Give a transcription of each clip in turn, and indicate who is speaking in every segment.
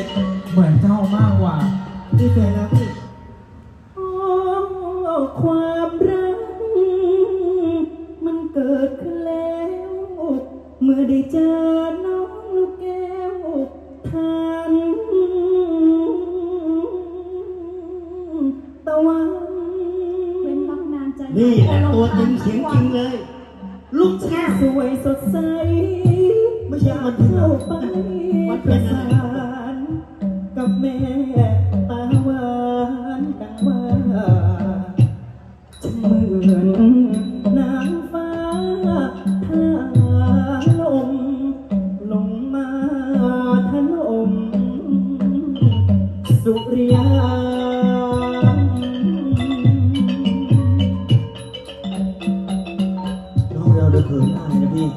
Speaker 1: เหมือนเจ้ามากกว่าที่เจอแล้วพี่
Speaker 2: ความรักมันเกิดขึ้นแล้วเมื่อได้เจอน้องลูกแก้วทันตะวัน
Speaker 3: เว้นวักนานใจ
Speaker 4: นี่แหละตัวจริงเสียงจริงเลยลูกแก้ว
Speaker 2: สวยสดใส
Speaker 4: ไม่ใช่มันเป็น
Speaker 2: เข้าไป
Speaker 4: มัน
Speaker 2: ป
Speaker 4: เป็
Speaker 2: ระ
Speaker 4: นอะ
Speaker 2: สา
Speaker 4: ไร
Speaker 2: นกับแม่ตาหวานดังว่าฉันเหมือนนางฟ้าทาลมลงมาถล่มสุริยา
Speaker 4: น้องเราเดือดเขินอายนะพี่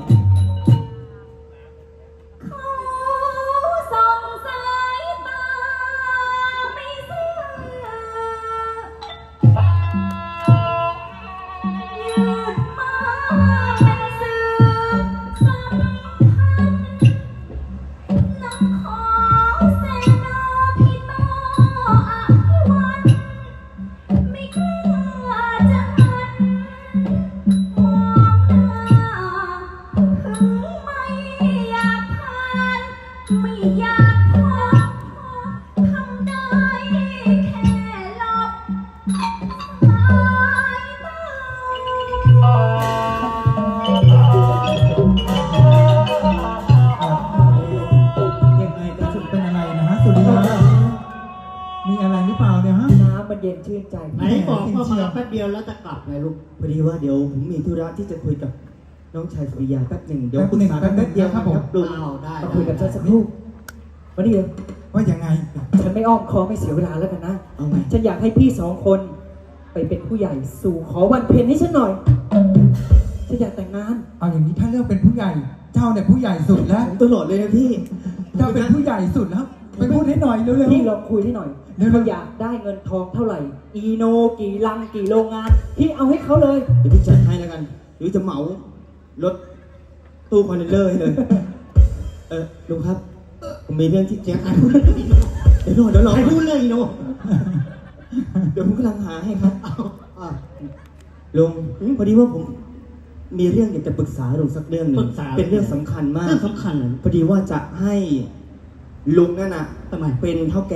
Speaker 3: เขาส่องสายตาไม่เสื่อยืดมาเป็นสื่อสัมพันธ์น้องขอเสนาพี่ต่ออภิวัตไม่กล้าจะหันมองหน้าถึงไม่อยากผ่านไม่อยากพบทำได้แค่หลบสายตา
Speaker 1: ยังไงกระสุนเป็นอะไรนะฮะสุริยามีอะไรหรือเปล่าเนี่ยฮะ
Speaker 2: น้ำมันเย็นชื่นใจ
Speaker 4: ไหนบอกว่ามาแป๊บเดียวแล้วจะกลับไงลูกพอดีว่าเดี๋ยวผมมีธุระที่จะคุยกับน้องชายสุริยาแป๊บหนึ่งเดี๋ยวปรึกษากันแป๊บเดียวครับลุง
Speaker 2: มาคุยกับฉันสักครู่มาดิเดียว
Speaker 1: ว่ายังไง
Speaker 2: ฉันไม่อ้อมค้อมไม่เสียเวลาแล้วกันนะ
Speaker 4: เอาไง
Speaker 2: ฉันอยากให้พี่สองคนไปเป็นผู้ใหญ่สู่ขอวันเพ็ญให้ฉันหน่อย ฉันอยากแต่งงาน
Speaker 1: เอาอย่างนี้ถ้าเลือกเป็นผู้ใหญ่ เจ้าเนี่ยผู้ใหญ่สุดแล้ว
Speaker 4: ผมตลอดเลยนะพี่
Speaker 1: เจ้าเป็นผู้ใหญ่สุดแล้วไปพูดให้หน่อยเร็ว
Speaker 2: พี่ลองคุยให้หน่อย
Speaker 1: เร็วๆ
Speaker 2: เขาอยากได้เงินทองเท่าไหร่ อีโนกี่ลังกี่โรงงาน พี่เอาให้เขาเลย
Speaker 4: เดี๋ยวพี่จัดให้แล้วกัน หรือจะเหมารถตู้คอนเทนเนอร์ให้เลยลุงครับ ผมมีเรื่องที่เจ๊งเดี๋ยวรอให้พูดเลยโนเดี๋ยวผมกำลังหาให้ครับลุงพอดีว่าผมมีเรื่องอยากจะปรึกษาลุงสักเรื่องหนึ่งเป็นเรื่องสำคัญมาก
Speaker 5: เรื่องสำคัญเลย
Speaker 4: พอดีว่าจะให้ลุงนั่นน่ะเป็นเท่าแก่